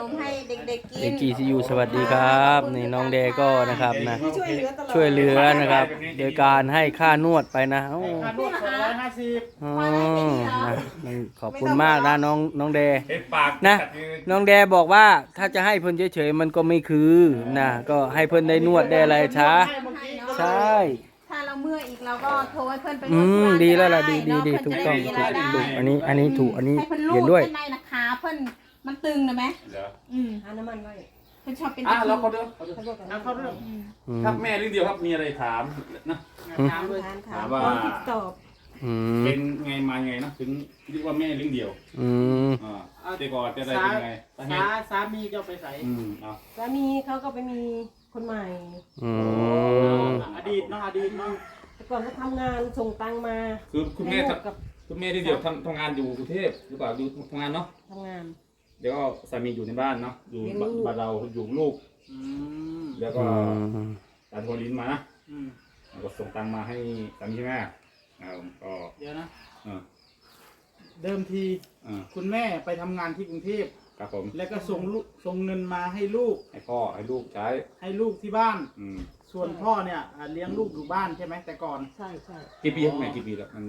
มให้เด็กๆกินเด็ก GCU สวัสดีครับนี่น้องแดก็นะครับนะช่วยเหลือนะครับ โดยการให้ค่านวดไปนะโอ้ค่านวด250 อ๋อนะขอบคุณมากนะน้องแดเห็นปากนะน้องแดบอกว่าถ้าจะให้เพิ่นเฉยๆมันก็ไม่คือนะก็ให้เพิ่นได้นวดได้อะไรช้าใช่ถ้าเราเมื่อยอีกเราก็โทรให้เพื่อนไปนวดดีแล้วล่ะดีเนาะถูกเพื่นต้องจะได้มีรายได้อันนี้ถูกอันนี้ให้เพื่อนลูเห็บนด้วยข้างในนะขาเพื่อนมันตึงนะไหมเหรอหาน้ำมันไว้เพื่อนชอบเป็นแล้วเขาเด้อเอาเข้าเรื่องครับแม่เรื่องเดียวครับมีอะไรถามนะถามเลยถามว่าตอบอืมเป็นไงมาไงนะถึงเรียกว่าแม่เรื่องเดียวอืมแต่ก่อนจะได้เป็นไงสาเหตุสามีจะไปใส่เอาสามีเขาก็ไปมีคนใหม่อืมอดีตเนาะอดีตเนาะแต่ก่อนเขาทำงานส่งตังค์มาคือคุณแม่ให้ลูกกับคุณแม่ที่เดียวทำงานอยู่กรุงเทพหรือเปล่าอยู่ทำงานเนาะทำงานเดี๋ยวก็สามีอยู่ในบ้านเนาะอยู่บ้านเราอยู่ลูกอืมแล้วก็ตัดโทรลิ้นมานะอืมแล้วก็ส่งตังค์มาให้สามีใช่ไหมก็เดี๋ยวนะอ่าเดิมทีอ่าคุณแม่ไปทำงานที่กรุงเทพครับผมแล้วก็ส่งเงินมาให้ลูกให้พ่อให้ลูกใช้ให้ลูกที่บ้าน ส่วนใช่พ่อเนี่ยเลี้ยงลูกอยู่บ้านใช่ไหมแต่ก่อนใช่ใช่กี่ปีครับแม่กี่ปีแล้วมัน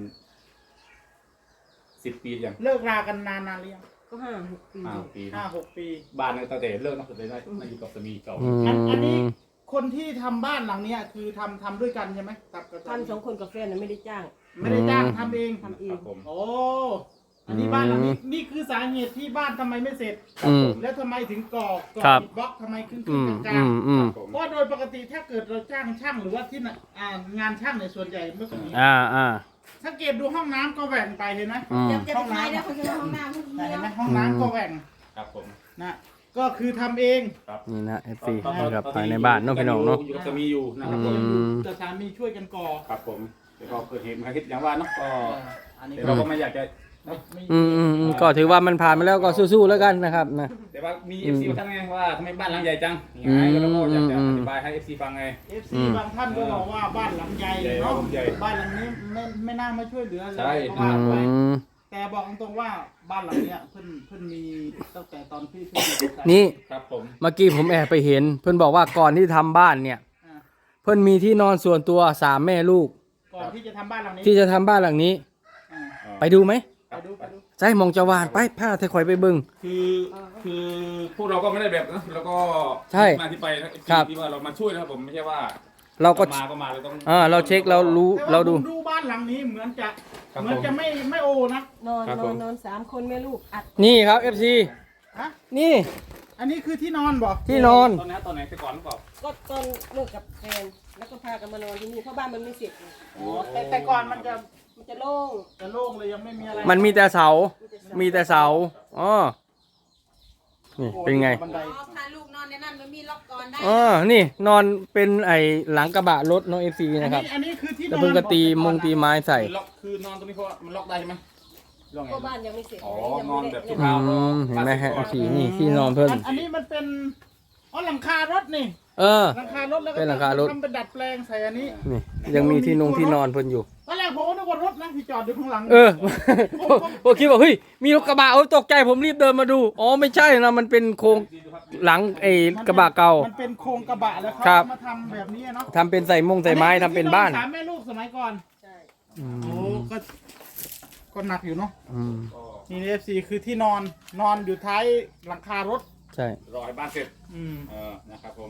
10 ปียังเลิกรากันนานหรือยังก็5-6 ปี 5 ปี 5-6 ปีบ้านตั้งแต่เลิกเนาะเลยได้มาอยู่กับสามีเก่าอันนี้คนที่ทำบ้านหลังเนี้ยคือทำด้วยกันใช่ไหมกับทำ2 คนกับแฟนน่ะไม่ได้จ้างไม่ได้จ้างทำเองทำเอคงรับผมโอ้อันนี้บ้านหลังนี้นี่คือสาเหตุที่บ้านทำไมไม่เสร็จ แล้วทำไมถึงก่อครับอิฐบล็อกทำไมขึ้นอืมกลางผมเพราะโดยปกติถ้าเกิดเราจ้างช่างหรือว่าที่น่ะงานช่างในยส่วนใหญ่เมื่อก่อนนี้อ่าสังเกตดูห้องน้ำก็แหว่งไปเห็นไหมเดี๋ยวจะไปขายเดี๋ยวเขาจะห้องน้ำเขาเห็นไหมเที่ยวห้องน้ำก็แหว่งครับผมนะก็คือทำเองนี่นะ FC นะครับภายในบ้านเนาะพี่น้องเนาะอยู่กับสามีอยู่นะครับผมแต่สามีช่วยกันก่อครับผมแล้วก็เกิดเหตุมาคิดอย่างว่าเนาะก็อันนี้แต่เราก็ไม่อยากจะเนาะไม่ก็ถือว่ามันผ่านมาแล้วก็สู้ๆแล้วกันนะครับนะแต่ว่ามี FC มาทั้งไงว่าทำไมบ้านหลังใหญ่จังยังไงก็เราก็อยากจะอธิบายให้ FC ฟังไง FC บางท่านก็บอกว่าบ้านหลังใหญ่เนาะใหญ่บ้านหลังนี้ไม่น่ามาช่วยเหลือเลยใช่เพราะว่าไปแต่บอกตรงๆว่าบ้านหลังเนี้ยเพิ่นมีตั้งแต่ตอนที่เพิ่นอยู่นี่ครับผมเมื่อกี้ผมแอบไปเห็น เพื่อนบอกว่าก่อนที่ทำบ้านเนี่ยอ่าเพื่อนมีที่นอนส่วนตัว3 แม่ลูกก่อนที่จะทำบ้านหลังนี้ที่จะทำบ้านหลังนี้อ่าไปดูไหมไปดูใช่มองจะวานไปผ้าเทคอยไปเบึงคือพวกเราก็ไม่ได้แบบนะแล้วก็ใช่มาที่ไปนะ FC ครับที่ว่าเรามาช่วยนะครับผมไม่ใช่ว่าเราก็มาก็มาเราต้องเราเช็คเรารู้แต่ว่เราดูผมดูบ้านหลังนี้เหมือนจะครับเหมือนจะไม่โอนะนอนครับนผอมนนอน3 คนแม่ลูกอัดนี่ครับ FC ฮะนี่อันนี้คือที่นอนบอกที่นอนตอนไหนแต่ก่อนหรือเปล่าก็ตอนเลิกกับแฟนแล้วก็พากันมานอนที่นี่เพราะบ้านมันไม่เสร็จไงอ๋อแต่ก่อนมันจะมันจะโล่งโล่งเลยยังไม่มีอะไรมันมีแต่เสามีแต่เสามีแต่เสาอ๋อนี่เป็นไงบันไดถ้าลูกนอนในนั้นมันมีล็อกก่อนได้นี่นอนเป็นไอหลังกระบะรถน้อง FC นะครับอันนี้คือที่นแล้อวน เพิ่งก็ตีมงตีไม้ใส่คือนอนตรงนี้เพราะว่ามันล็อกได้ใช่ไหมล็อกไงก็บ้านยังไม่เสร็จอ๋อยังนอนไม่แบบได้ชั่วยัคงราวเห็นไหมฮะ FC นี่ที่นอนเพิ่นอันนี้มันเป็นอ๋อหลังคารถนี่ หลังคารถแล้วก็เป็นหลังคารถทำเป็นดัดแปลงใส่อันนี้นี่ยังมีที่นอนเพิ่นอยู่ตอนแรกผมก็นึกว่ารถนะที่จอดอยู่ข้างหลังผมคิดว่าเฮ้ยมีรถกระบะตกใจผมรีบเดินมาดูอ๋อไม่ใช่นะมันเป็นโครงหลังกระบะเก่ามันเป็นโครงกระบะแล้วเขาครับมาทำแบบนี้เนาะทำเป็นใส่ไม้ทำเป็นบ้านสามแม่ลูกสมัยก่อนใช่โอ้ก็หนักอยู่เนาะอืมนี่เอฟซีคือที่นอนอยู่ท้ายหลังคารถใช่รอให้บ้านเสร็จอืมนะครับผม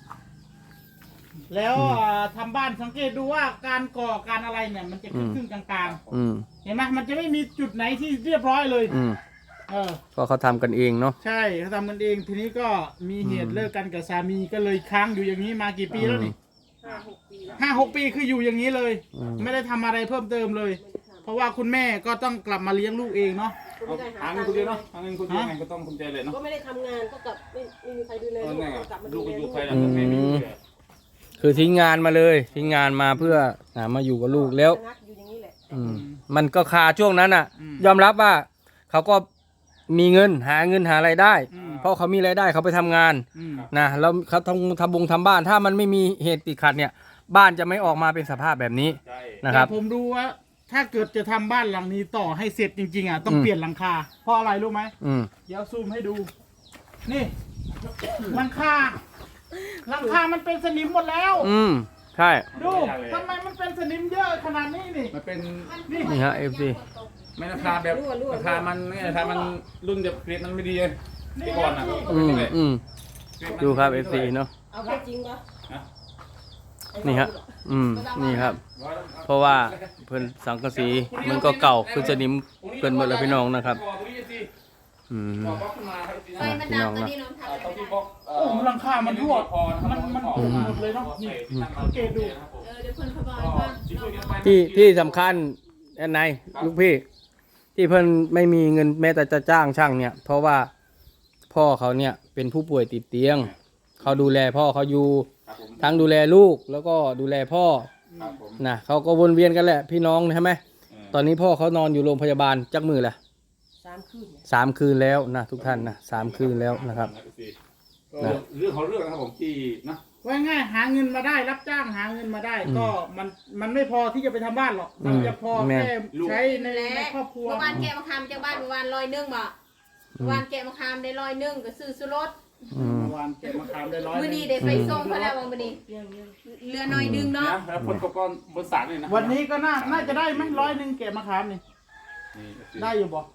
แล้วทำบ้านสังเกตดูว่าการก่อการอะไรเนี่ยมันจะครึ่งๆกลางอืมๆเห็นไหมมันจะไม่มีจุดไหนที่เรียบร้อยเลยอืมเออก็เขาทำกันเองเนาะใช่เขาทำกันเองทีนี้ก็มีเหตุเลิกกันกับสามีก็เลยค้างอยู่อย่างนี้มากี่ปีแล้วนี่ 5-6 ปีแล้ว 5-6 ปีคืออยู่อย่างนี้เลยอืมไม่ได้ทำอะไรเพิ่มเติมเลย เพราะว่าคุณแม่ก็ต้องกลับมาเลี้ยงลูกเองเนาะก็ไม่ได้หาหาเงิตันงคนค์เดียวเนาะหาเงินคนเดียวไงก็ต้องภูมิใจเลยเนาะก็ไม่ได้ทำงานก็กลับไม่มีใครดูแลเออลูกไงก็กลับมาลูดูกแลก็อยู่ลูกไทยแล้วแต่แม่ไม่อยู่เลยคือทิ้งงานมาเลยทิ้งงานมาเพื่อมาอยู่กับลูกแล้วชะงักอยู่อย่างนี้แหละมันก็คาช่วงนั้นอ่ะอืมยอมรับว่าเขาก็มีเงินหาไรายได้อืมเพราะเขามีรายได้เขาไปทำงานอืมนะแล้วเขาทำบ้านถ้ามันไม่มีเหตุติดขัดเนี่ย บ้านจะไม่ออกมาเป็นสภาพแบบนี้ใช่นะครับแต่ผมดูว่าถ้าเกิดจะทำบ้านหลังนี้ต่อให้เสร็จจริงๆอ่ะต้องเปลี่ยนหลังคาเพราะอะไรรู้ไหมอืมเดี๋ยวซูมให้ดูนี่หลังคามันเป็นสนิมหมดแล้วใช่ดูทำไมมันเป็นสนิมเยอะขนาดนี้นี่มันเป็นนี่ฮะ FC ไม่ราคาแบบราคามันรุ่นแบบเกรดมันไม่ดีเลยที่ก่อนอ่ะดูครับ FC เนาะเอาแค่จริงปะนี่ฮะนี่ครับ เพราะว่าเพิ่นสังกะสีมันก็เก่าคือสนิมเพิ่นหมดแล้วพี่น้องนะครับไฟมันดับตอนนี้น้องทำอะไรไม่ได้โอ้หลังคามันรั่วมันหมดเลยเนาะนี่สังเกตดูเดี๋ยวคนเขาบอกว่าที่สำคัญอันไหนลูกพี่ที่เพิ่นไม่มีเงินแม้แต่จะจ้างช่างเนี่ย เพราะว่าพ่อเขาเนี่ยเป็นผู้ป่วยติดเตียงเขาดูแลพ่อเขาอยู่ทั้งดูแลลูกแล้วก็ดูแลพ่อนะเขาก็วนเวียนกันแหละพี่น้องใช่ไหมตอนนี้พ่อเขานอนอยู่โรงพยาบาลจักมือแหละ 3 คืนแล้วนะทุกท่านนะ3 คืนแล้วนะครับเรื่องของเรื่องนะครับผมที่นะว่าง่ายหาเงินมาได้รับจ้างหาเงินมาได้ก็มันไม่พอที่จะไปทำบ้านหรอกมันจะพอแค่ใช้ในครอบครัวเมื่อวานแกะมะขามจากบ้านเมื่อวาน100บ่เมื่อวานแกะมะขามได้100ก็ซื้อสุรสเมื่อวานเก็บมะขามได้100 มื้อนี้ได้ไปส่งเขาแล้วมื้อนี้เหลือหน่อยนึงเนาะแล้วคนก้อนบนสารนี่นะวันนี้ก็น่าจะได้ไหม100เก็บมะขามนี่ได้อยู่บ่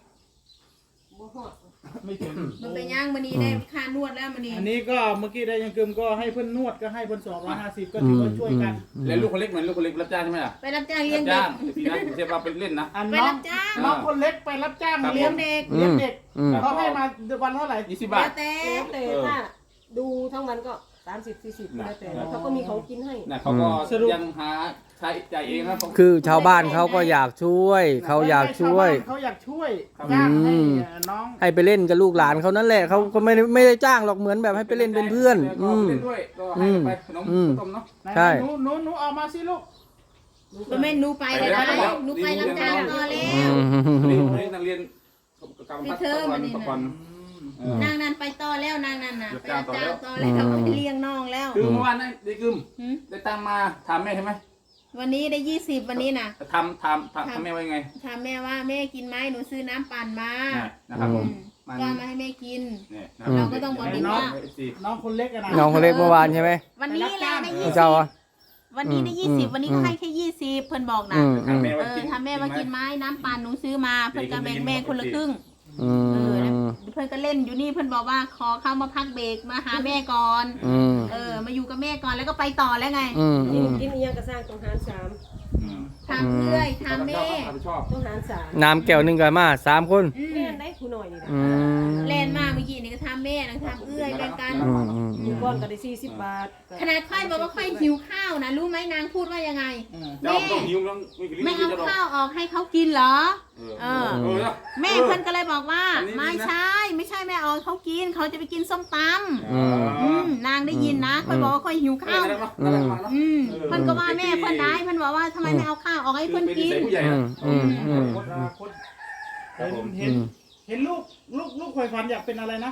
ไม่ถึงมันไปย่างมื้อนี้ได้ค่านวดแล้วมื้อนี้อันนี้ก็เมื่อกี้ได้ยังกึมก็ให้เพื่อนนวดก็ให้เพื่อน250ก็ถือว่าช่วยกันแล้วลูกคนเล็กเหมือนลูกคนเล็กรับจ้างใช่ไหมล่ะไปรับจ้างเลี้ยรังบเด็จ้าก งทีนั้นไม่ใช่ว่าเป็นเล่นนะอันไปน้อรังบจ้างน้องคนเล็กไปรับจ้างเลี้ยงเด็กเลี้ยงเด็กเขาให้มาวันเท่าไหร่ 20 แล้บาทวแต่แต่ถ้าดูทั้งวันก็30-40แล้วแต่แล้วเขาก็มีของกินให้นะเขาก็ยังหาใช้จ่ายเองนะคือชาวบ้านเขาก็อยากช่วยเขาอยากช่วยเขาอยากช่วยจ้างให้น้องให้ไปเล่นกับลูกหลานเขานั่นแหละเขาก็ไม่ได้จ้างหรอกเหมือนแบบให้ไปเล่นเป็นเพื่อนเล่นด้วยก็ให้ไปขนมต้มเนาะใช่หนูเอามาสิลูกบ่แม่นหนูไปเลยนะหนูไปรับจ้างต่อแล้วนี่นักเรียนกำลังก่อนนางนั้นไปต่อแล้วนางนั้นน่ะไปรับจ้างต่อแล้วไปเลี้ยงน้องแล้วคือเมื่อวานได้กึมได้ตังมาถามแม่ใช่ไหมวันนี้ได้20วันนี้น่ะทำแม่ไว้ไงถามแม่ว่าแม่กินไหมหนูซื้อน้ำปั่นมานะครับผมก็มาให้แม่กินเนี่ยเราก็ต้องบอกดีว่าน้องคนเล็กนะน้องคนเล็กเมื่อวานใช่ไหมวันนี้แหละได้เจ้าอ่ะ 20วันนี้ได้20วันนี้ก็ให้แค่20เพิ่นบอกนะทำแม่ว่ากินไหมน้ำปั่นหนูซื้อมาเพิ่นก็แบ่งแม่คนละครึ่งเพื่อนก็เล่นอยู่นี่เพื่อนบอกว่าขอเข้ามาพักเบรกมาหาแม่ก่อนมาอยู่กับแม่ก่อนแล้วก็ไปต่อแล้วไงกินอีหยังก็สร้างต้องหาร3 ทำเพื่อยทำแม่ต้องหาร3 น้ำแก้วหนึ่งกันมา3 คนแม่นได้ผู้หน่อยนี่นะเล่นมาเมื่อกี้นี่ก็ทำแม่นะทำเอื้อยแบ่งกันอยู่ก้อนก็ได้40 บาทขนาดค่อยบอกว่าค่อยหิวข้าวนะรู้ไหมนางพูดว่ายังไงแม่ไม่เอาข้าวออกให้เขากินเหรอแม่เพื่อนก็เลยบอกว่าไม่ใช่แม่เอาเขากินเขาจะไปกินส้มตำนางได้ยินนะค่อยบอกว่าค่อยหิวข้าวเพื่อนก็ว่าแม่เพื่อนได้เพื่อนบอกว่าทำไมไม่เอาข้าวออกให้เพื่อนกินเห็นลูกคอยฝันอยากเป็นอะไรนะ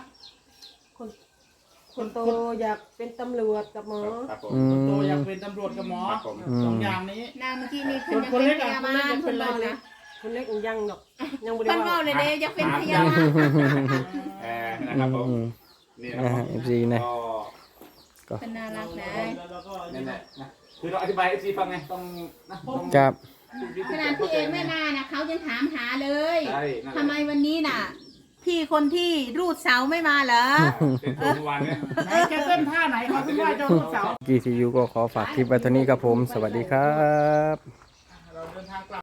คนโตอยากเป็นตำรวจกับหมอคนโตอยากเป็นตำรวจกับหมอ2อย่างนี้นางเมื่อกี้นี่เพื่อนยังเป็นพยาบาลเพื่อนบอกนะคนเล็กยังหรอกยังเพื่อนบอกเลยจะเป็นพยาบาลนะครับผมนี่นะครับ FC นะก็เป็นน่ารักนะนั่นแหละนะคือเราอธิบาย FC ฟังไงต้องครับขนาดพี่เอกไม่มานะเขายังถามหาเลยทำไมวันนี้น่ะพี่คนที่รูดเสาไม่มาเหรอจะเต้นท่าไหนเขาถึงว่าจะรูดเสา GTU ก็ขอฝากคลิปไว้เท่านี้ครับผมสวัสดีครับ